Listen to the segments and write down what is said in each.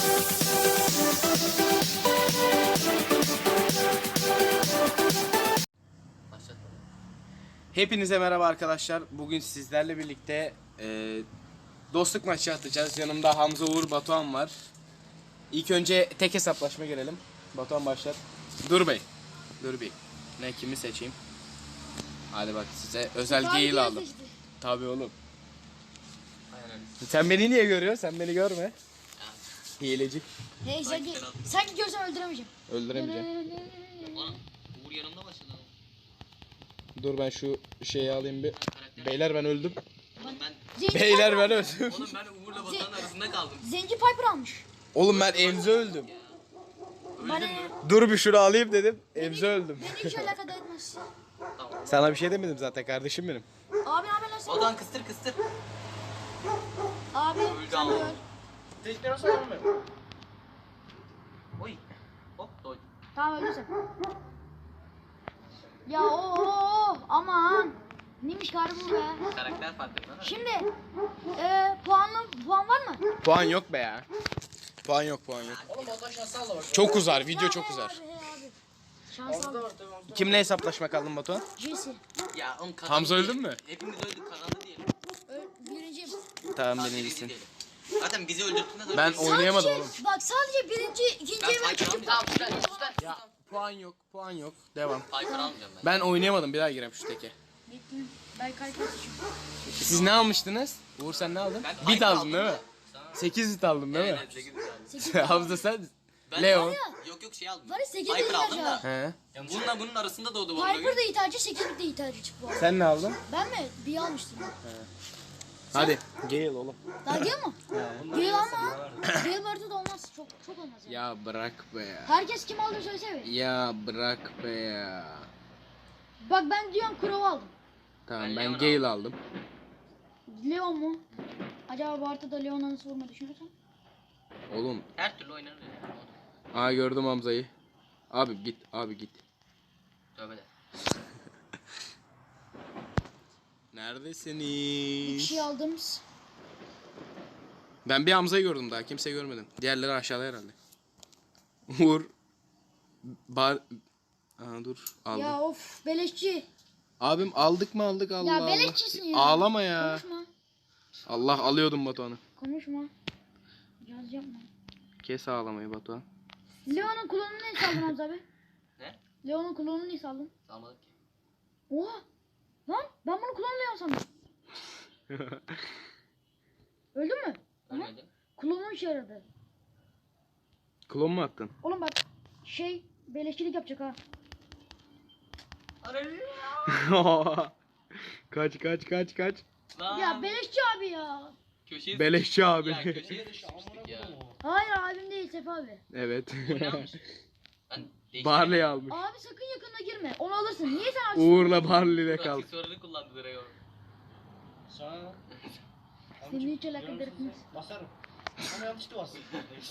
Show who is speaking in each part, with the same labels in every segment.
Speaker 1: Hepinize merhaba arkadaşlar. Bugün sizlerle birlikte dostluk maçı atacağız. Yanımda Hamza, Uğur, Batuhan var. İlk önce tek hesaplaşma girelim. Batuhan başlar. Dur bey. Ne kimi seçeyim? Hadi bak size özel geyil aldım. Tabii oğlum. Aynen. Sen beni niye görüyorsun? Sen beni görme. Hileci.
Speaker 2: Hey sanki görsem öldüremeyeceğim.
Speaker 1: Öldüremeyeceğim.
Speaker 3: Uğur yanımda başladı.
Speaker 1: Dur ben şu şeyi alayım bir. Beyler ben öldüm.
Speaker 3: Ben
Speaker 1: Beyler ben öldüm.
Speaker 3: oğlum ben Uğur'la Batuhan arasında kaldım.
Speaker 2: Zenci Piper almış.
Speaker 1: Oğlum ben Emze öldüm.
Speaker 2: Bana
Speaker 1: Dur bir şunu alayım dedim. Emze öldüm.
Speaker 2: beni hiç alakadar etmez.
Speaker 1: Sana bir şey demedim zaten kardeşim benim.
Speaker 2: Abi ne haber lan sen?
Speaker 3: Batuhan kıstır.
Speaker 2: Abi
Speaker 3: Öldü
Speaker 2: sen
Speaker 3: ama.
Speaker 2: de öl.
Speaker 1: Teşekkür ederim.
Speaker 3: Oy. Hop doydum.
Speaker 2: Tamam öldün sen. Ya aman. Neymiş karı bu be.
Speaker 3: Karakter farklı lan.
Speaker 2: Şimdi puan var mı?
Speaker 1: Puan yok be ya. Puan yok.
Speaker 3: Oğlum Batuhan şansı al bak.
Speaker 1: Çok uzar, video çok
Speaker 2: Hey
Speaker 1: uzar.
Speaker 2: Abi, hey abi. Şans al.
Speaker 1: Kimle hesaplaşma kaldın Batuhan?
Speaker 2: Jesse.
Speaker 3: Ya oğlum kazandı
Speaker 1: Hamza
Speaker 3: diye.
Speaker 1: öldün mü?
Speaker 3: Hepimiz öldük kazandı diyelim.
Speaker 2: Birinciyim.
Speaker 1: Tamam
Speaker 3: Sadece
Speaker 1: birincisin.
Speaker 3: diyelim. Zaten bizi öldürttüğünde de
Speaker 1: Ben oynayamadım oğlum.
Speaker 2: Bak sadece birinci, ikinciye
Speaker 3: Ben
Speaker 2: ben
Speaker 3: Piper
Speaker 2: çıktım.
Speaker 3: almayacağım.
Speaker 1: Ya puan yok. Devam.
Speaker 3: Piper almayacağım ben.
Speaker 1: Ben oynayamadım, bir daha gireyim şu teke.
Speaker 2: Gittim. Ben kalkmak için.
Speaker 1: Siz ne almıştınız? Uğur sen ne aldın?
Speaker 3: Ben
Speaker 1: Bit
Speaker 3: Piper
Speaker 1: aldın
Speaker 3: aldım
Speaker 1: değil mi?
Speaker 3: da.
Speaker 1: 8 bit aldın değil mi?
Speaker 3: Evet 8 aldım.
Speaker 2: 8
Speaker 1: Hamza sen?
Speaker 3: Ben
Speaker 1: Leon.
Speaker 3: Yok şey aldım.
Speaker 2: Var ya 8
Speaker 3: Piper aldım da.
Speaker 1: He.
Speaker 3: Bununla bunun arasında doğdu bu.
Speaker 2: Piper da ithacı, 8 de ithacı çıktı bu arada.
Speaker 1: Sen ne aldın?
Speaker 2: Ben mi? Bir almıştım.
Speaker 1: Hadi. Gale oğlum.
Speaker 2: Daha gel mi? Gel ama. Gel vardı da olmaz. Çok olmaz yani.
Speaker 1: Ya bırak be ya.
Speaker 2: Herkes kim aldı söylesene.
Speaker 1: Ya bırak be ya.
Speaker 2: Bak ben diyorum Crow aldım.
Speaker 1: Tamam
Speaker 3: Ben
Speaker 1: ben
Speaker 3: Leon
Speaker 1: Gale aldım.
Speaker 2: Leon mu? Acaba bu haritada Leon'a nasıl vurma düşünürsen?
Speaker 1: Oğlum.
Speaker 3: Her türlü oynarız ya.
Speaker 1: Aa gördüm Hamza'yı. Abi git.
Speaker 3: Tövbe de.
Speaker 1: Neredesiniz?
Speaker 2: Bir kişi aldım.
Speaker 1: Ben bir Hamza'yı gördüm daha. Kimse görmedim. Diğerleri aşağıda herhalde. Uğur. Dur. Aldım.
Speaker 2: Ya of beleşçi.
Speaker 1: Abim aldık mı aldık Allah
Speaker 2: Ya
Speaker 1: Allah.
Speaker 2: beleşçisin ya.
Speaker 1: Ağlama ya.
Speaker 2: Konuşma.
Speaker 1: Allah alıyordum Batuhan'ı.
Speaker 2: Konuşma. Yaz yapma.
Speaker 1: Kes ağlamayı Batuhan.
Speaker 2: Leon'un klonunu ne saldın Hamza abi?
Speaker 3: Ne?
Speaker 2: Leon'un klonunu ne saldın?
Speaker 3: Salmadık ki.
Speaker 2: Oha! Lan ben bunu klon Leon sandım. Öldün mü?
Speaker 3: Ölmedim.
Speaker 2: Klonun işe yaradı.
Speaker 1: Klon mu attın?
Speaker 2: Oğlum bak beleşçilik yapacak ha.
Speaker 1: Kaç.
Speaker 3: Lan.
Speaker 2: Ya beleşçi abi ya.
Speaker 3: Köşeye
Speaker 1: Beleşçi abi.
Speaker 3: Ya köşeye sıkıştık ya.
Speaker 2: Hayır abim değil Sefa abi.
Speaker 1: Evet.
Speaker 3: Bu ne almış? Ben değiştirdim.
Speaker 1: Barley almış.
Speaker 2: Abi sakın yakına girme. Onu alırsın. Niye sen açtın?
Speaker 1: Uğur'la Barley'le kal.
Speaker 3: Aksesuarını kullandı direkt o.
Speaker 4: Sana
Speaker 2: Seni hiç alakadar etmez.
Speaker 4: basarım. Ama yanlıştı bastım.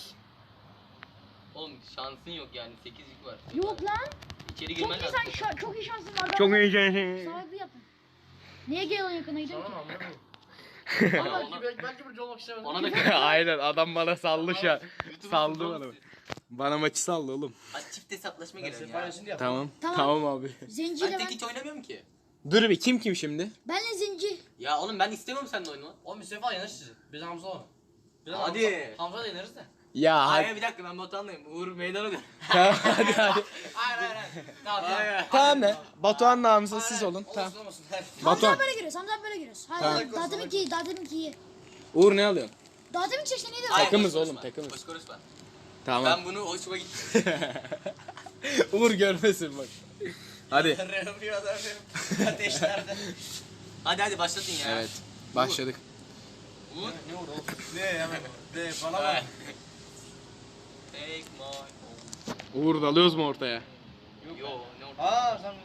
Speaker 3: Oğlum şansın yok yani 8 yük var.
Speaker 2: Yok lan.
Speaker 3: İçeri
Speaker 2: Çok
Speaker 3: girmen
Speaker 2: iyi
Speaker 3: lazım.
Speaker 2: sen çok iyi şansın var.
Speaker 1: Çok iyi.
Speaker 2: Sahibi yapın. Niye Gale'ın yakına gidiyorsun
Speaker 4: Tamam
Speaker 2: ki?
Speaker 4: anladım.
Speaker 3: Ama ona,
Speaker 4: Belki burcu olmak istemedim.
Speaker 3: ona da
Speaker 1: Aynen adam bana saldı şu an.
Speaker 3: YouTube'un
Speaker 1: Saldı
Speaker 3: futbolu
Speaker 1: bana.
Speaker 3: siz.
Speaker 1: Bana maçı saldı oğlum.
Speaker 3: Hadi çift hesaplaşma
Speaker 4: Ben
Speaker 3: girelim ya.
Speaker 4: sefaresini de yap.
Speaker 1: Tamam.
Speaker 2: Tamam.
Speaker 1: Tamam abi.
Speaker 2: Zenciyle
Speaker 3: Ben tek
Speaker 2: ben.
Speaker 3: hiç oynamıyorum ki.
Speaker 1: Dur bir kim şimdi?
Speaker 2: Benle zenci.
Speaker 3: Ya oğlum ben istemiyorum seninle oynamak.
Speaker 4: Oğlum bir sefa yener sizi. Biz Hamza olalım. Biz
Speaker 3: Hadi.
Speaker 4: Hamza da yeneriz de.
Speaker 1: Ya
Speaker 3: Hayır
Speaker 1: hadi.
Speaker 3: bir dakika ben Batuhan'layım. Uğur meydana dön.
Speaker 1: Tamam hadi.
Speaker 4: Hayır. Tamam.
Speaker 1: Tamam ne? Batuhan namıza siz olun. Tamam.
Speaker 4: Olmasın.
Speaker 2: Hamza
Speaker 1: Batuhan.
Speaker 2: böyle giriyoruz. Hamza böyle giriyoruz. Hayır
Speaker 1: Tamam.
Speaker 2: hayır. Daha demin ki iyi. Daha demin ki iyi.
Speaker 1: Uğur ne alıyorsun?
Speaker 2: Daha demin ki seçti neydi?
Speaker 3: Hayır,
Speaker 1: Takımız
Speaker 3: boş
Speaker 1: oğlum,
Speaker 3: konuşma.
Speaker 1: takımız.
Speaker 3: Boş konuşma.
Speaker 1: Tamam.
Speaker 3: Ben bunu hoşuma gitti.
Speaker 1: Uğur görmesin bak. Hadi.
Speaker 4: Rehmi adam ateşlerde.
Speaker 3: Hadi başlatın ya.
Speaker 1: Evet. Başladık.
Speaker 3: Uğur.
Speaker 4: Ne oldu oğlum? Ne hemen? Ne falan
Speaker 3: Hey.
Speaker 4: var.
Speaker 3: Take my home.
Speaker 1: Uğur dalıyoruz mu ortaya?
Speaker 3: Yo ne oldu?
Speaker 4: Aa sen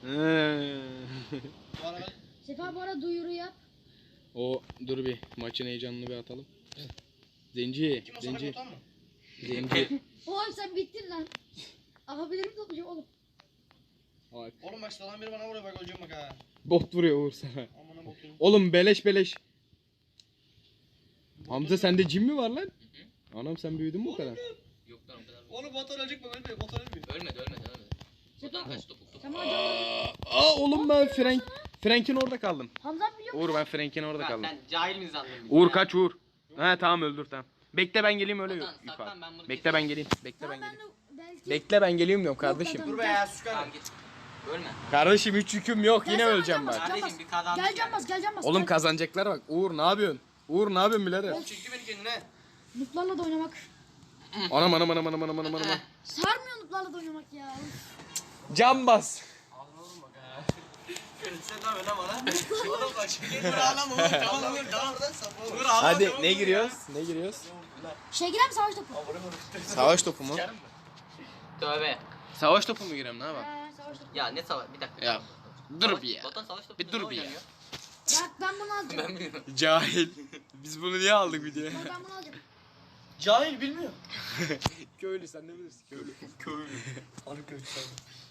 Speaker 4: bu arada
Speaker 2: Sefa bu ara duyuru yap.
Speaker 1: O dur bir maçın heyecanını bir atalım. Zenci,
Speaker 4: kim o sana
Speaker 1: zenci,
Speaker 4: kotan mı?
Speaker 1: zenci.
Speaker 2: Oğlum sen bittin lan. Abilerimi toplayacağım oğlum.
Speaker 1: Bak.
Speaker 4: Oğlum bak sıradan biri bana vuruyor bak öleceğim bak ha.
Speaker 1: Bot vuruyor Uğur sana.
Speaker 4: Amına bakıyorum.
Speaker 1: Oğlum beleş. Hamza sende cin mi var lan? Anam sen büyüdün mü bu kadar?
Speaker 3: Yok lan o kadar.
Speaker 4: Oğlum Batuhan ölecek mi? Ölmüyor. Batuhan ölmüyor.
Speaker 3: Ölmedi. Buradan kaç topuk.
Speaker 2: Sen bana canlı.
Speaker 1: Aa oğlum ben Frank'in orada kaldım.
Speaker 2: Hamza abi biliyor musun?
Speaker 1: Uğur ben Frank'in orada
Speaker 3: Ha,
Speaker 1: kaldım.
Speaker 3: sen cahil mi sandın bizi
Speaker 1: Uğur
Speaker 3: ya?
Speaker 1: kaç Uğur. He tamam öldür tamam. Bekle ben geleyim öyle
Speaker 3: Saklan,
Speaker 1: yukarı.
Speaker 3: saklan, ben bunu
Speaker 1: Bekle
Speaker 3: keseyim.
Speaker 1: ben geleyim. Bekle ben
Speaker 2: Tamam ben
Speaker 1: geleyim.
Speaker 2: de belki.
Speaker 1: Bekle ben geleyim diyorum kardeşim.
Speaker 2: Yok,
Speaker 4: Dur be ya sus
Speaker 3: Tamam
Speaker 4: kanka.
Speaker 3: git. Ölme.
Speaker 1: Kardeşim hiç yüküm yok yine
Speaker 2: Gelsene,
Speaker 1: öleceğim
Speaker 2: Can bas,
Speaker 1: bak.
Speaker 2: Can
Speaker 3: Kardeşim,
Speaker 2: bas.
Speaker 3: bir kazandık
Speaker 2: Gel Can
Speaker 3: yani.
Speaker 2: bas, gel Can bas.
Speaker 1: Oğlum
Speaker 2: gel.
Speaker 1: kazanacaklar bak. Uğur ne yapıyorsun? Uğur ne yapıyorsun birader?
Speaker 4: Oğlum çekti beni kendine.
Speaker 2: Nuklarla da oynamak.
Speaker 1: Anam.
Speaker 2: Sarmıyor nuklarla da oynamak ya.
Speaker 1: Can bas.
Speaker 4: Ağzına vurun bak ha. Sen ne yapıyorsun lan bana? Oğlum bak şimdi gel ağlama oğlum. Tamam vur tamam. Vur ağlama.
Speaker 1: Hadi
Speaker 4: tamam,
Speaker 1: ne
Speaker 4: vur
Speaker 1: giriyoruz? Ne giriyoruz?
Speaker 2: Şey girer mi savaş topu?
Speaker 1: Savaş topu mu?
Speaker 3: Tövbe.
Speaker 1: Savaş topu mu gireyim ne yapalım?
Speaker 2: Savaş topu.
Speaker 3: Ya ne savaş? Bir dakika.
Speaker 1: Ya dur bir ya.
Speaker 3: Batuhan savaş topu
Speaker 1: Bir dur bir ya.
Speaker 2: Bak ben bunu alacağım.
Speaker 3: Ben bilmiyorum.
Speaker 1: Cahil. Biz bunu niye aldık videoya?
Speaker 2: Bak ben bunu alacağım.
Speaker 4: Cahil bilmiyor.
Speaker 1: Köylü sen ne bilirsin köylü.
Speaker 4: Anı kötü sen.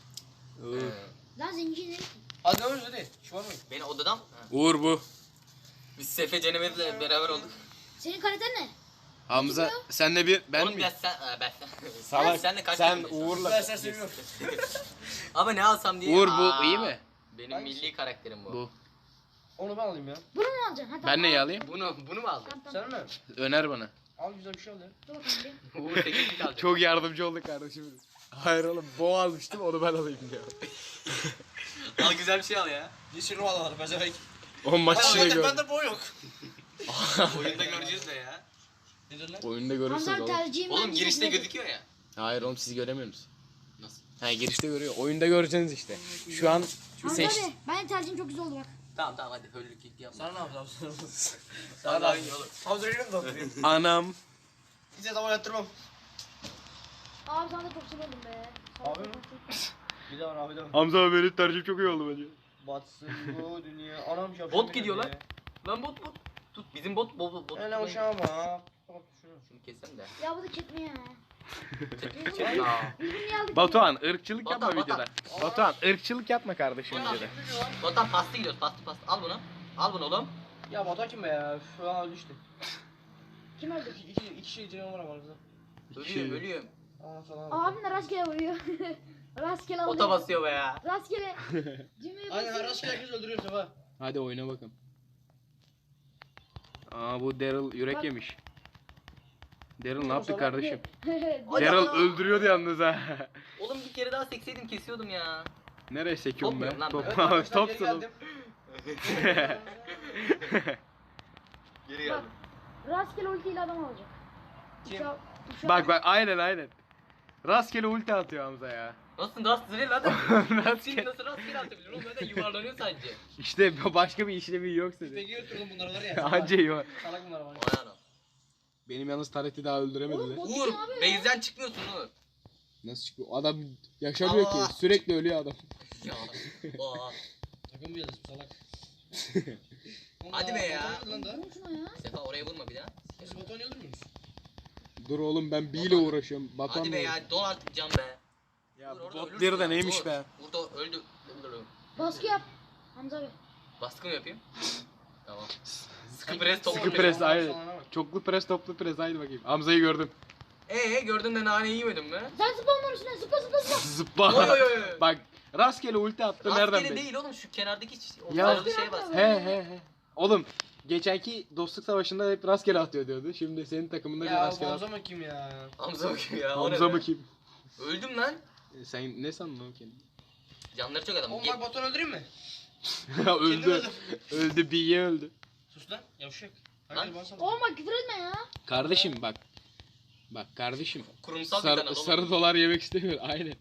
Speaker 2: Lan zenci ne?
Speaker 4: Hadi ne yapıyorsun hadi. Şu var mı?
Speaker 3: Beni odadan mı? Ha.
Speaker 1: Uğur bu.
Speaker 3: Biz Sefe Cenemet'le beraber olduk.
Speaker 2: Senin kaliten ne?
Speaker 1: Hamza sen de bir ben
Speaker 3: Oğlum
Speaker 1: mi?
Speaker 3: biraz sen... ben.
Speaker 1: Salak.
Speaker 3: Sen de kaç
Speaker 1: Sen
Speaker 3: yaşındasın?
Speaker 1: Uğur'la.
Speaker 4: Ben sen seviyorum.
Speaker 3: Ama ne alsam diye.
Speaker 1: Uğur bu iyi mi?
Speaker 3: Benim
Speaker 4: Hangisi?
Speaker 3: milli karakterim bu.
Speaker 1: Bu.
Speaker 4: Onu ben alayım ya.
Speaker 2: Bunu mu alacaksın? Ha, tamam.
Speaker 1: Ben neyi alayım?
Speaker 3: Bunu mu aldın?
Speaker 2: Tamam tamam.
Speaker 4: Sen mi?
Speaker 1: Öner bana.
Speaker 4: Al güzel bir şey al ya.
Speaker 2: Dur bakalım bir.
Speaker 3: Uğur 8'lik alacak.
Speaker 1: Çok yardımcı olduk kardeşim. Hayır oğlum boğa almıştım onu ben alayım diyor.
Speaker 3: Al güzel bir şey al ya.
Speaker 4: Yeşil ruh var pezevenk.
Speaker 1: O maç içine gör.
Speaker 4: Bende boy yok.
Speaker 3: Oyunda göreceğiz de ya.
Speaker 4: Nedir lan?
Speaker 1: Oyunda
Speaker 2: Hamza
Speaker 1: görürsünüz
Speaker 2: abi
Speaker 1: oğlum.
Speaker 2: tercihim
Speaker 3: Oğlum
Speaker 2: hangisi
Speaker 3: girişte
Speaker 2: nedir?
Speaker 3: gözüküyor ya.
Speaker 1: Hayır oğlum sizi göremiyorsunuz.
Speaker 3: Nasıl?
Speaker 1: Ha girişte görüyor. Oyunda göreceksiniz işte. Şu an
Speaker 2: Hamza
Speaker 1: seç.
Speaker 2: abi benim tercihim çok güzel oldu bak.
Speaker 3: Tamam hadi höllük ilk yapma.
Speaker 4: Sana ne yapacağım?
Speaker 3: Sana daha iyi olur.
Speaker 4: Hamza öyle mi doktoruyor?
Speaker 1: Anam.
Speaker 4: Bize zaman yattırmam.
Speaker 2: Abi sana da çok güzel oldum be.
Speaker 4: Abi mi? Bir daha var abi de var.
Speaker 1: Hamza abi benim tercihim çok iyi oldu bence.
Speaker 4: Batsın bu dünya. Anam şapşal.
Speaker 3: Bot gidiyor lan. Lan bot. Tut bizim bot.
Speaker 4: Hele o şama bak. Bak şunu.
Speaker 3: Şunu kessem de.
Speaker 2: Ya bu da çekme ya.
Speaker 3: Aa.
Speaker 2: Biz bunu niye aldık?
Speaker 1: Batuhan ırkçılık
Speaker 3: Batuhan,
Speaker 1: yapma
Speaker 3: Batuhan.
Speaker 1: videoda. Batuhan ırkçılık yapma kardeşim
Speaker 3: Batuhan.
Speaker 1: videoda.
Speaker 3: Bottan pasta gidiyoruz pasta. Al bunu. Al bunu oğlum.
Speaker 4: Ya Batuhan kim be ya? Şu an öldü işte.
Speaker 2: Kim öldü?
Speaker 4: İki şey içine var ama aramızda.
Speaker 3: Ölüyorum.
Speaker 4: Aa falan.
Speaker 2: Abim de rastgele vuruyor. Rastgele alıyor.
Speaker 3: Ota basıyor be ya.
Speaker 2: Rastgele. Cümleyi
Speaker 4: Aynen
Speaker 2: basıyor.
Speaker 4: rastgele herkes öldürüyor Sefa.
Speaker 1: Hadi oyna bakalım. Aa bu Daryl yürek
Speaker 2: Bak.
Speaker 1: yemiş. Daryl ne yaptı kardeşim?
Speaker 3: Hadi
Speaker 1: Daryl
Speaker 3: ana.
Speaker 1: öldürüyordu yalnız ha.
Speaker 3: Oğlum bir kere daha sekseydim kesiyordum ya.
Speaker 1: Nereye sekiyorum
Speaker 3: Top
Speaker 1: be?
Speaker 3: yok lan
Speaker 1: Top,
Speaker 3: ben.
Speaker 4: Evet arkadaşlar geri
Speaker 1: topsun oğlum.
Speaker 4: geldim.
Speaker 3: Geri
Speaker 2: Bak. Rastgele ultiyle adam alacak.
Speaker 4: Kim?
Speaker 1: Bak aynen. Rastgele ulti atıyor Hamza ya.
Speaker 3: Nasıl rastgele lan? Şimdi
Speaker 1: Rastgele.
Speaker 3: nasıl rastgele atabilir oğlum? Zaten yuvarlanıyor sadece.
Speaker 1: İşte başka bir işlevi yok
Speaker 4: Peki
Speaker 1: dedi.
Speaker 4: götürdüm bunları var ya.
Speaker 1: Anca yok.
Speaker 4: Salak bunlar var.
Speaker 3: Vay anam.
Speaker 1: Benim yalnız Taret'i daha öldüremediler.
Speaker 2: Oğlum,
Speaker 3: Uğur, base'den çıkmıyorsun Uğur.
Speaker 1: Nasıl çıkıyor? Adam yaşamıyor
Speaker 3: Allah.
Speaker 1: ki. Sürekli ölüyor adam.
Speaker 3: Ya. Aa.
Speaker 4: Takım bir yıldız bu salak.
Speaker 3: Hadi be ya.
Speaker 4: Lan da.
Speaker 2: Vurun şuna ya.
Speaker 3: Sefa oraya vurma bir daha.
Speaker 4: Siz Batuhan'ı öldürmüyor musunuz?
Speaker 1: Dur oğlum ben B ile uğraşıyorum. Batuhan
Speaker 3: Hadi be ya don artık can be.
Speaker 1: Ya
Speaker 3: Uğur,
Speaker 1: bu
Speaker 3: orada
Speaker 1: bot
Speaker 3: ölürsün
Speaker 1: bir de
Speaker 3: ya,
Speaker 1: neymiş
Speaker 3: Uğur.
Speaker 1: be?
Speaker 3: Burada öldü.
Speaker 2: Baskı yap. Hamza abi.
Speaker 3: Baskı mı yapayım? Tamam. Sıkı pres toplu
Speaker 1: Sıkı
Speaker 3: pres.
Speaker 1: pres
Speaker 4: Salana
Speaker 1: aynen.
Speaker 4: bak.
Speaker 1: Çoklu pres toplu pres haydi bakayım. Hamza'yı gördüm.
Speaker 3: Gördün de nane yemedin mi?
Speaker 2: Sen zıpla onların üstüne zıpla.
Speaker 1: Zıpla.
Speaker 3: Oy, oy, oy.
Speaker 1: Bak rastgele ulti attı nereden
Speaker 3: Rastgele
Speaker 1: belli?
Speaker 3: değil oğlum şu kenardaki o
Speaker 1: Ya.
Speaker 3: sarılı şeye bas.
Speaker 1: He. Oğlum geçenki dostluk savaşında hep rastgele atıyor diyordu. Şimdi senin takımında bir
Speaker 4: Ya
Speaker 1: rastgele
Speaker 4: Hamza
Speaker 1: atıyor.
Speaker 4: mı kim ya?
Speaker 3: Hamza bakıyor ya. o ne
Speaker 1: Hamza
Speaker 3: be?
Speaker 1: mı kim?
Speaker 3: Öldüm lan.
Speaker 1: Sen ne sandın oğlum kendini?
Speaker 3: Canları çok adam.
Speaker 4: Oğlum bak Batuhan'ı öldüreyim mi?
Speaker 1: öldü. Öldü B'ye öldü.
Speaker 4: Sus lan yavşak.
Speaker 3: Lan.
Speaker 4: Hadi bana sal.
Speaker 2: Oğlum bak küfür etme ya.
Speaker 1: Kardeşim bak. Bak kardeşim.
Speaker 3: Kurumsal bir kanal oğlum.
Speaker 1: Sarı dolar yemek istemiyor. Aynen.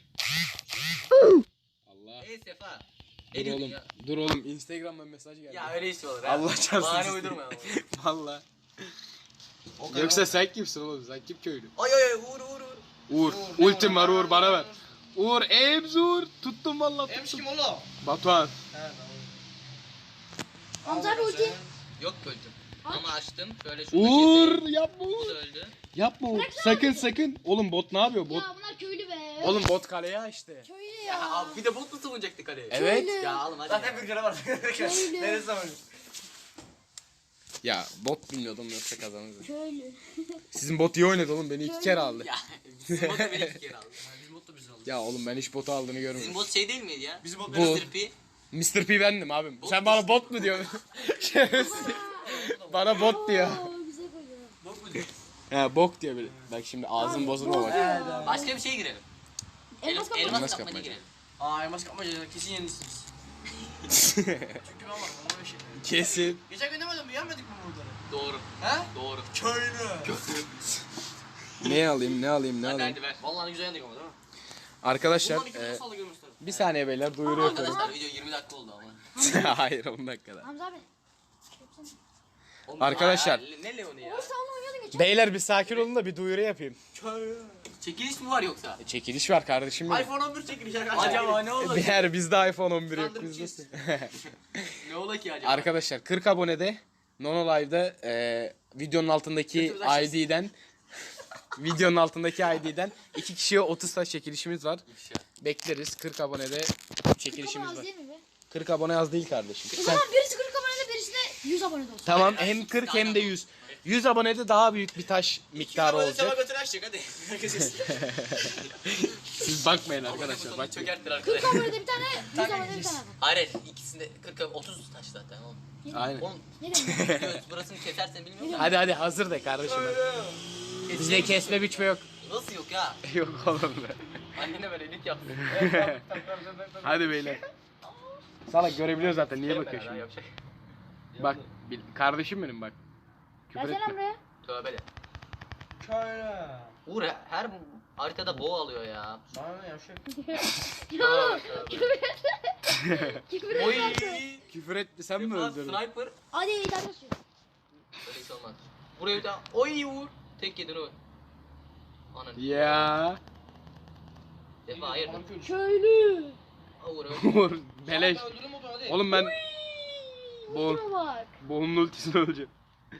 Speaker 1: Allah.
Speaker 3: Sefa.
Speaker 1: Dur
Speaker 3: Ne diyordun
Speaker 1: oğlum.
Speaker 3: ya?
Speaker 1: Dur oğlum. Instagram'dan mesaj geldi.
Speaker 3: Ya öyle iş olur ha.
Speaker 1: Allah çarpsın.
Speaker 3: Bahane uydurma ama.
Speaker 1: Valla.
Speaker 4: O kadar
Speaker 1: Yoksa
Speaker 4: var.
Speaker 1: sen kimsin oğlum? Sen kim köylü?
Speaker 3: Ay Uğur.
Speaker 1: Uğur.
Speaker 4: ne
Speaker 1: Ultim var
Speaker 4: Uğur?
Speaker 1: Uğur bana ver. Uğur Ems Uğur. Tuttum valla
Speaker 4: Ems
Speaker 1: tuttum.
Speaker 4: kim oğlum?
Speaker 1: Batuhan.
Speaker 4: He tamam.
Speaker 2: Hamza abi ulti.
Speaker 3: Yok öldüm. Ama açtım. Şöyle şunu
Speaker 1: Uğur
Speaker 3: keseyim.
Speaker 1: yapma
Speaker 3: Bu
Speaker 1: Uğur.
Speaker 3: da öldü.
Speaker 1: Yapma Uğur. Sakın. Oğlum bot ne yapıyor? Bot.
Speaker 2: Ya bunlar köylü be.
Speaker 1: Oğlum bot kaleye açtı.
Speaker 2: Köylü
Speaker 3: Ya
Speaker 2: ya.
Speaker 3: abi bir de bot mu savunacaktık kaleye?
Speaker 1: Evet.
Speaker 2: Köylü.
Speaker 3: Ya oğlum hadi.
Speaker 4: Zaten bir kere var.
Speaker 2: Öyle.
Speaker 4: Neresi zaman?
Speaker 1: Ya bot bilmiyordum yoksa kazanırdı.
Speaker 2: Köylü.
Speaker 1: Sizin bot iyi oynadı oğlum, beni 2 kere aldı.
Speaker 3: Ya bizim bot da beni 2 kere aldı.
Speaker 4: Bizim bot da bizi aldı.
Speaker 1: Ya oğlum ben hiç botu aldığını
Speaker 3: Bizim
Speaker 1: görmedim.
Speaker 3: bot şey değil miydi ya?
Speaker 4: Bizim bot
Speaker 1: Bu-
Speaker 3: Mr. P.
Speaker 1: Mr. P bendim abim.
Speaker 3: Bot
Speaker 1: Sen bana bot mu diyorsun? Şerefsiz. Bana bot diyor.
Speaker 2: Oo, bize koyuyor.
Speaker 4: bot mu diyor?
Speaker 1: He bok diyor böyle. Bak şimdi ağzım bozulma bak.
Speaker 2: Bozuyor.
Speaker 3: Başka bir şeye girelim.
Speaker 2: Elmas kapı.
Speaker 1: Elmas
Speaker 3: Elmas
Speaker 1: kapmaca.
Speaker 3: kapmaca girelim.
Speaker 4: Aa elmas kapmaca kesin yenilirsiniz. Çünkü ben varım ona bir şey.
Speaker 1: Kesin.
Speaker 4: Geçen gün demedim mi yenmedik mi buraları?
Speaker 3: Doğru.
Speaker 4: He?
Speaker 3: Doğru.
Speaker 4: Köylü.
Speaker 1: Ne alayım ne alayım ne
Speaker 3: Hadi
Speaker 1: alayım.
Speaker 3: hadi ver.
Speaker 4: Vallahi güzel yendik ama değil mi?
Speaker 1: Arkadaşlar
Speaker 4: Bundan 2 salla görmüşler.
Speaker 1: bir saniye beyler duyuru yapıyorum.
Speaker 3: Arkadaşlar video 20 dakika oldu ama.
Speaker 1: Hayır 10 dakikada.
Speaker 2: Hamza abi.
Speaker 3: Oğlum,
Speaker 1: Arkadaşlar.
Speaker 3: Ne Leon'u ya?
Speaker 2: Oğlum sen onunla oynuyordun geçen.
Speaker 1: Beyler bir sakin olun da bir duyuru yapayım.
Speaker 4: Köylü.
Speaker 3: Çekiliş mi var yoksa?
Speaker 1: Çekiliş var kardeşim benim.
Speaker 4: iPhone 11 çekiliş arkadaşlar.
Speaker 3: Acaba ne olacak?
Speaker 1: Eğer bizde iPhone 11 yok
Speaker 3: Sandım
Speaker 1: bizde.
Speaker 3: ki. Ne ola ki acaba?
Speaker 1: Arkadaşlar 40 abonede Nono Live'da videonun altındaki
Speaker 4: Götümüzden açacağız.
Speaker 1: ID'den videonun altındaki ID'den 2 kişiye 30 taş çekilişimiz var.
Speaker 3: İfşa.
Speaker 1: Bekleriz 40 abonede çekilişimiz
Speaker 2: Az
Speaker 1: var.
Speaker 2: değil mi be?
Speaker 1: 40 abone az değil kardeşim.
Speaker 2: O
Speaker 1: Sen,
Speaker 2: zaman birisi 40 abonede birisi de 100 abonede olsun.
Speaker 1: tamam hem 40 hem de 100. 100 abonede daha büyük bir taş miktarı olacak.
Speaker 4: götünü açacak hadi. Herkes
Speaker 1: Siz bakmayın arkadaşlar. Bak.
Speaker 3: Çökerttir
Speaker 2: 40
Speaker 3: arkadaşlar.
Speaker 2: abonede bir tane, 100 abonede bir tane adam.
Speaker 3: Hayır ikisinde 40 30 taş zaten oğlum.
Speaker 1: Aynen.
Speaker 3: Oğlum
Speaker 2: Ne demek?
Speaker 3: göz burasını kesersen bilmiyorum da.
Speaker 1: Hadi hadi hazır de kardeşim. Bizde kesme biçme yok.
Speaker 3: Nasıl yok ya?
Speaker 1: Yok oğlum be.
Speaker 3: Annene böyle elik yapsın.
Speaker 1: Hadi beyler. Salak görebiliyor zaten niye
Speaker 3: Bakıyor
Speaker 1: bakıyor şimdi?
Speaker 3: Yapacak.
Speaker 1: Bak kardeşim benim bak. Küfür
Speaker 2: Gelsene
Speaker 1: etme.
Speaker 2: buraya.
Speaker 3: Tövbe de.
Speaker 4: Köylü.
Speaker 3: Uğur her haritada boğa alıyor ya.
Speaker 4: Sana ne yavşak?
Speaker 2: Ya
Speaker 3: Tövbe.
Speaker 2: küfür
Speaker 3: Oy.
Speaker 2: etme.
Speaker 1: Küfür etti sen mi
Speaker 3: Defa
Speaker 1: öldürdün?
Speaker 3: Sniper.
Speaker 2: Hadi iyi daha basıyor.
Speaker 3: Öyle hiç olmaz. Buraya bir daha. Oy Uğur. Tek yedin o. Ananı.
Speaker 1: Ya.
Speaker 3: Defa hayır.
Speaker 2: Köylü.
Speaker 3: Uğur öyle.
Speaker 1: Vur beleş.
Speaker 4: Öldürün motoru hadi.
Speaker 1: Oğlum ben Bol.
Speaker 2: Şuna bak.
Speaker 1: Boğunun ultisini öleceğim.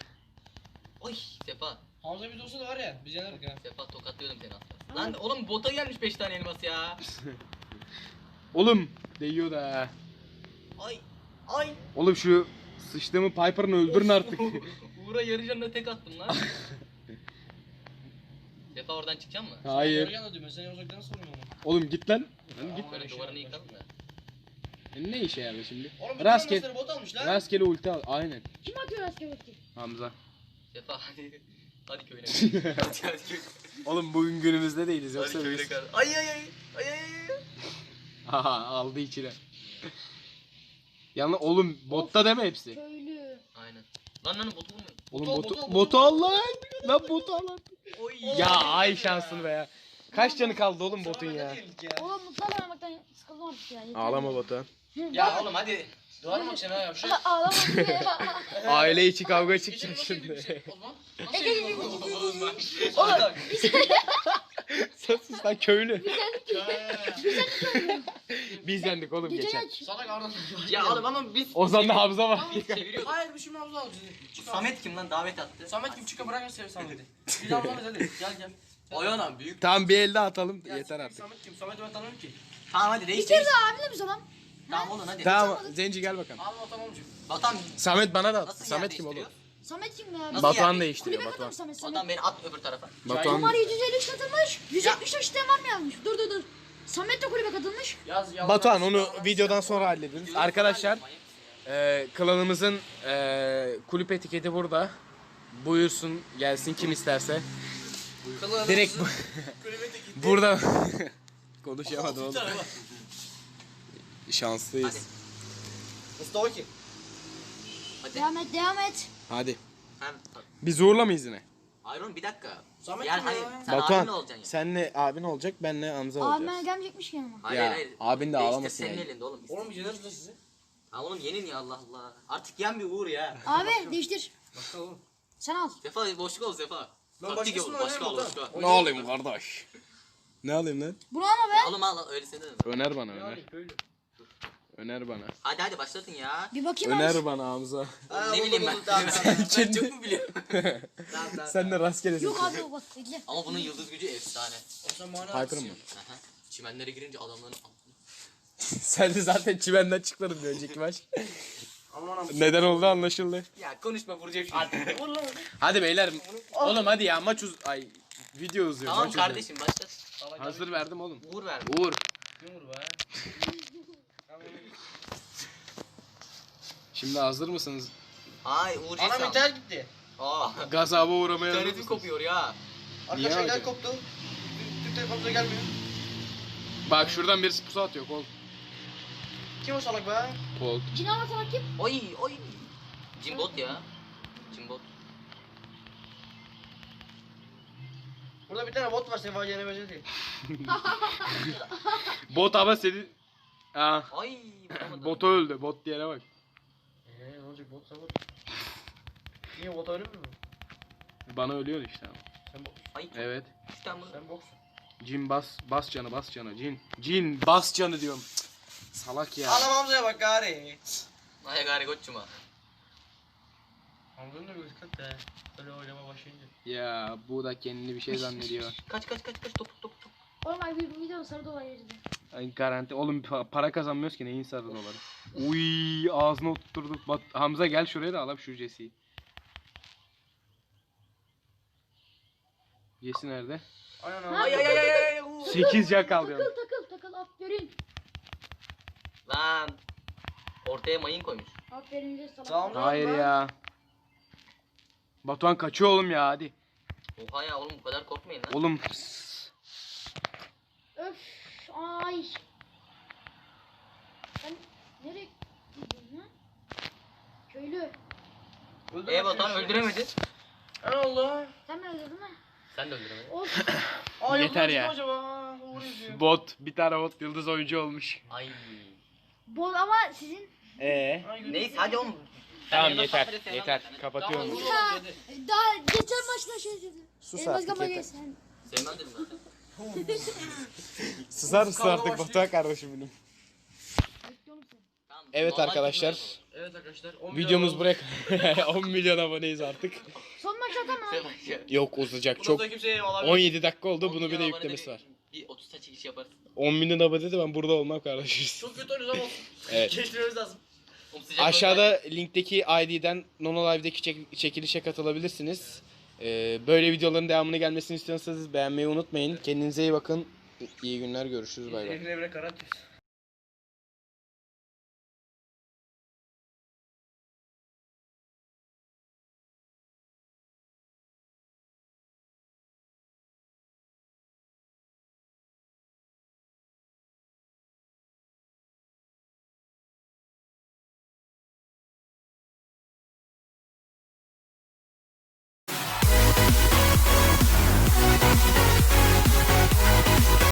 Speaker 3: Oy Sefa.
Speaker 4: Hamza bir olsa da var ya biz yenerdik ha.
Speaker 3: Sefa tokatlıyordum seni aslında. Lan oğlum bota gelmiş 5 tane elmas ya.
Speaker 1: Oğlum değiyor da.
Speaker 3: Ay. Ay.
Speaker 1: Oğlum şu sıçtığımı Piper'ını öldürün artık.
Speaker 3: Uğur'a yarı canına tek attım lan. Sefa oradan çıkacak mı?
Speaker 1: Hayır.
Speaker 4: Yarı yana diyor ben seni uzaktan soruyorum onu.
Speaker 1: Oğlum git lan. Lan git.
Speaker 3: Böyle duvarını yıkalım da.
Speaker 1: Ne işe yarar şimdi?
Speaker 4: Oğlum bütün
Speaker 1: Rastgele
Speaker 4: elmasları bot almış lan.
Speaker 1: rastgele ulti al. Aynen.
Speaker 2: Kim atıyor asker ulti?
Speaker 1: Hamza.
Speaker 3: Sefa hadi. Hadi köyüne. hadi hadi köyüne.
Speaker 1: Oğlum bugün günümüzde değiliz
Speaker 3: Hadi
Speaker 1: yoksa
Speaker 3: köyüne
Speaker 1: biz.
Speaker 3: kal. Ay ay ay. Ay ay ay.
Speaker 1: Aha aldı içine. Yalnız oğlum botta deme hepsi.
Speaker 2: Köylü.
Speaker 3: Aynen. Lan botu vurmuyor.
Speaker 1: Oğlum
Speaker 4: Botu,
Speaker 1: botu,
Speaker 4: botu,
Speaker 1: botu al lan. Lan botu al lan.
Speaker 3: Oy.
Speaker 1: Ya ay şansını be ya. Kaç canı kaldı oğlum botun ya?
Speaker 2: Oğlum mutlarla oynamaktan sıkıldım artık ya. yeter.
Speaker 1: Ağlama botu.
Speaker 3: Ya oğlum hadi.
Speaker 4: Duvar mı akşam ha yavşak?
Speaker 2: Ağlama ya.
Speaker 1: Aile içi kavga
Speaker 4: Geçen
Speaker 1: çıkacak
Speaker 4: nasıl yedik bir
Speaker 1: şimdi.
Speaker 4: şey? O zaman nasıl yedik o zaman?
Speaker 2: Oğlum
Speaker 1: Sen sus lan köylü.
Speaker 2: Köylü.
Speaker 1: Biz yendik oğlum
Speaker 2: Gece
Speaker 1: geçen.
Speaker 2: aç.
Speaker 4: Salak Arda.
Speaker 3: Ya oğlum ama biz
Speaker 1: Ozan'da Hamza var.
Speaker 3: biz çeviriyorduk.
Speaker 4: Hayır bir şey mi Hamza alacağız?
Speaker 3: Samet kim lan davet attı?
Speaker 4: Samet kim çıkar bırak seni Samet'i. Biz Hamza'mız hadi gel gel.
Speaker 3: Oyana büyük.
Speaker 1: Tamam bir elde atalım
Speaker 4: Gel,
Speaker 1: yeter artık.
Speaker 4: Samet kim? Samet'i ben tanımıyorum ki.
Speaker 3: Tamam hadi
Speaker 2: Bir
Speaker 3: reis
Speaker 2: kere
Speaker 3: reis.
Speaker 2: daha abimle mi zaman?
Speaker 3: Tamam oğlum hadi.
Speaker 1: Tamam Zenci gel bakalım.
Speaker 4: Abi o tamam çünkü.
Speaker 3: Vatan
Speaker 1: Samet bana da at.
Speaker 3: nasıl
Speaker 1: Samet
Speaker 3: yer
Speaker 1: kim oğlum?
Speaker 3: değiştiriyor?
Speaker 2: Samet kim ya?
Speaker 3: Nasıl
Speaker 1: Batuhan
Speaker 3: yani?
Speaker 1: değiştiriyor
Speaker 2: Kulübe
Speaker 1: Batuhan.
Speaker 2: katılmış Samet.
Speaker 3: Vatan beni at öbür tarafa.
Speaker 1: Batuhan.
Speaker 2: Omar 753 katılmış. 173 isteyen var mı yazmış? Dur. Samet de kulübe katılmış.
Speaker 4: Yaz yaz.
Speaker 1: Batuhan onu videodan sonra hallederiz. Arkadaşlar klanımızın kulüp etiketi burada. Buyursun gelsin kim isterse. Direkt burada konuşamadım oğlum. Şanslıyız.
Speaker 4: Mustafa kim?
Speaker 3: Hadi.
Speaker 2: Devam et.
Speaker 1: Hadi.
Speaker 3: Hem
Speaker 1: Biz uğurla mıyız yine?
Speaker 3: Ayron bir dakika.
Speaker 4: Samet
Speaker 3: Yani
Speaker 4: kim
Speaker 3: hani
Speaker 4: ya?
Speaker 3: sen
Speaker 1: Batuhan
Speaker 3: abimle olacaksın ya.
Speaker 1: senle abin olacak benle Hamza
Speaker 2: Abime
Speaker 1: olacağız.
Speaker 2: gelmeyecekmiş ki yanıma.
Speaker 3: Hayır
Speaker 1: Ya,
Speaker 3: hayır.
Speaker 1: abin de
Speaker 3: Değiştir,
Speaker 1: ağlamasın
Speaker 3: senin
Speaker 1: yani.
Speaker 3: elinde oğlum.
Speaker 4: Oğlum biz yeneriz de sizi.
Speaker 3: Ha oğlum yenin ya Allah Allah. Artık yen bir Uğur ya.
Speaker 2: Abi değiştir.
Speaker 4: Bakalım.
Speaker 2: Sen al.
Speaker 3: Sefa boşluk ol Sefa.
Speaker 4: Ben
Speaker 3: Taktik
Speaker 4: başkasını
Speaker 3: yap, başka
Speaker 4: oynayayım
Speaker 3: al başka.
Speaker 4: Batuhan.
Speaker 1: Ne alayım kardeş? Ne alayım lan?
Speaker 2: Bunu alma be.
Speaker 3: Oğlum al öyle seni de.
Speaker 1: Öner bana
Speaker 4: Ne
Speaker 1: öner.
Speaker 4: alayım köylü?
Speaker 1: Öner bana.
Speaker 3: Hadi başlatın ya.
Speaker 2: Bir bakayım abi.
Speaker 1: Öner bana Hamza.
Speaker 3: Ne bileyim ben. Ben çok mu biliyorum?
Speaker 1: Sen de rastgele
Speaker 2: Yok abi o bak bekle.
Speaker 3: Ama bunun yıldız gücü efsane.
Speaker 4: O zaman bana
Speaker 1: Piper
Speaker 4: atsın.
Speaker 1: mı?
Speaker 3: Aha. Çimenlere girince adamların
Speaker 1: Sen de zaten çimenden çıkmadın bir önceki maç.
Speaker 4: Aman aman.
Speaker 1: Neden oldu anlaşıldı.
Speaker 3: Ya konuşma vuracağım şimdi.
Speaker 4: Vur lan.
Speaker 1: Hadi beyler. Oğlum hadi ya maç ay video uzuyor.
Speaker 3: Tamam
Speaker 1: maç uzuyor.
Speaker 3: kardeşim başlat.
Speaker 1: Hazır verdim oğlum.
Speaker 3: Uğur ver.
Speaker 1: Uğur.
Speaker 4: Kim vur be?
Speaker 1: Şimdi hazır mısınız?
Speaker 3: Ay Uğur
Speaker 4: Anam
Speaker 3: Cesam.
Speaker 4: internet gitti.
Speaker 3: Aa.
Speaker 1: Gazaba uğramaya hazır
Speaker 3: İnternetim
Speaker 1: mısınız?
Speaker 3: kopuyor ya.
Speaker 4: Arkadaşlar
Speaker 1: öyle?
Speaker 4: internet koptu. Türk Telekom'da gelmiyor.
Speaker 1: Bak şuradan birisi pusu atıyor kol.
Speaker 4: Kim o salak be?
Speaker 1: Kol.
Speaker 2: Cinava sana kim?
Speaker 3: Oy oy. Cimbot ya. Cimbot.
Speaker 4: Burada bir tane bot var senin vaciyene benziyor değil.
Speaker 1: Bot ama seni... Aa,
Speaker 3: Ay vuramadım.
Speaker 1: botu öldü. Bot diyene bak.
Speaker 4: Ne olacak botsa bot. Niye bot ölür mü?
Speaker 1: Bana ölüyor işte.
Speaker 4: Sen bot.
Speaker 3: Ay
Speaker 1: Evet.
Speaker 3: 3 tane bunu.
Speaker 4: Sen boks.
Speaker 1: Cin bas canı cin. Cin bas canı diyorum. Cık, salak ya.
Speaker 4: Anam Hamza'ya bak gari.
Speaker 3: Ay gari koçuma.
Speaker 4: Hamza'nın da bir dikkat de. Öyle oynama başlayınca.
Speaker 1: Ya bu da kendini bir şey zannediyor.
Speaker 3: Kaç top.
Speaker 2: Oğlum ay bir video sarı dolar yerinde.
Speaker 1: Ay garanti. Oğlum para kazanmıyoruz ki neyin sarı doları. Uy ağzına oturturduk. Hamza gel şuraya da alalım şu Jesse'yi. Jesse nerede?
Speaker 4: Aynen
Speaker 2: Ha,
Speaker 4: abi.
Speaker 3: Ay.
Speaker 1: 8 can kaldı.
Speaker 2: Takıl aferin.
Speaker 3: Lan. Ortaya mayın koymuş.
Speaker 2: Aferin de salak.
Speaker 4: Tamam.
Speaker 1: Hayır ya. Batuhan kaçıyor oğlum ya hadi.
Speaker 3: Oha ya oğlum bu kadar korkmayın lan.
Speaker 1: Oğlum.
Speaker 2: Öf ay. Sen nereye gidiyorsun lan? Köylü.
Speaker 3: Batuhan öldüremedi.
Speaker 4: Ne oldu?
Speaker 2: Sen mi öldürdün lan?
Speaker 3: Sen de öldüremedin.
Speaker 2: Of.
Speaker 4: Aa,
Speaker 1: Yeter
Speaker 4: yok,
Speaker 1: ya.
Speaker 4: Acaba? Uğur yazıyor.
Speaker 1: Bot. Bir tane bot yıldız oyuncu olmuş.
Speaker 3: Ay.
Speaker 2: Bol ama sizin.
Speaker 1: Ee.
Speaker 4: Ay, gülüm.
Speaker 3: Neyse hadi oğlum.
Speaker 1: Tamam
Speaker 3: Sen
Speaker 1: yeter.
Speaker 3: yanına
Speaker 1: Yeter.
Speaker 3: patlat,
Speaker 1: Kapatıyorum.
Speaker 3: Tamam,
Speaker 2: Ya, daha geçen maçta şey dedi.
Speaker 1: Sus
Speaker 2: Elmas
Speaker 1: artık,
Speaker 2: Gama
Speaker 1: yeter.
Speaker 2: sen.
Speaker 3: Sevmem dedim zaten.
Speaker 1: Susar mısın
Speaker 4: Kavga
Speaker 1: artık
Speaker 4: başlıyor.
Speaker 1: Batuhan kardeşim benim.
Speaker 2: Bekliyorum seni.
Speaker 3: Tamam,
Speaker 1: Evet
Speaker 3: normal
Speaker 1: arkadaşlar.
Speaker 3: gibi
Speaker 4: Evet arkadaşlar. 10
Speaker 1: Videomuz
Speaker 4: milyon
Speaker 1: buraya 10 milyon aboneyiz artık.
Speaker 2: Son maç atar mı?
Speaker 3: olsun.
Speaker 1: Yok uzayacak
Speaker 4: Bundan
Speaker 1: çok.
Speaker 4: sonra kimseye olabilir.
Speaker 1: 17 dakika oldu
Speaker 3: 10
Speaker 1: bunu bir de
Speaker 3: milyon
Speaker 1: yüklemesi
Speaker 3: abonede
Speaker 1: var.
Speaker 3: Bir 30 saç iş yaparız.
Speaker 1: 10 milyon abone de ben burada olmam kardeşim.
Speaker 4: Çok kötü oynuyoruz ama olsun.
Speaker 1: Evet.
Speaker 4: Geçmemiz lazım.
Speaker 3: Oğlum sıcak
Speaker 1: Aşağıda linkteki ID'den Nono Live'deki çekilişe katılabilirsiniz. Böyle videoların devamını gelmesini istiyorsanız beğenmeyi unutmayın. Kendinize iyi bakın. İyi günler görüşürüz bay bay.
Speaker 4: Evine bile karar atıyoruz.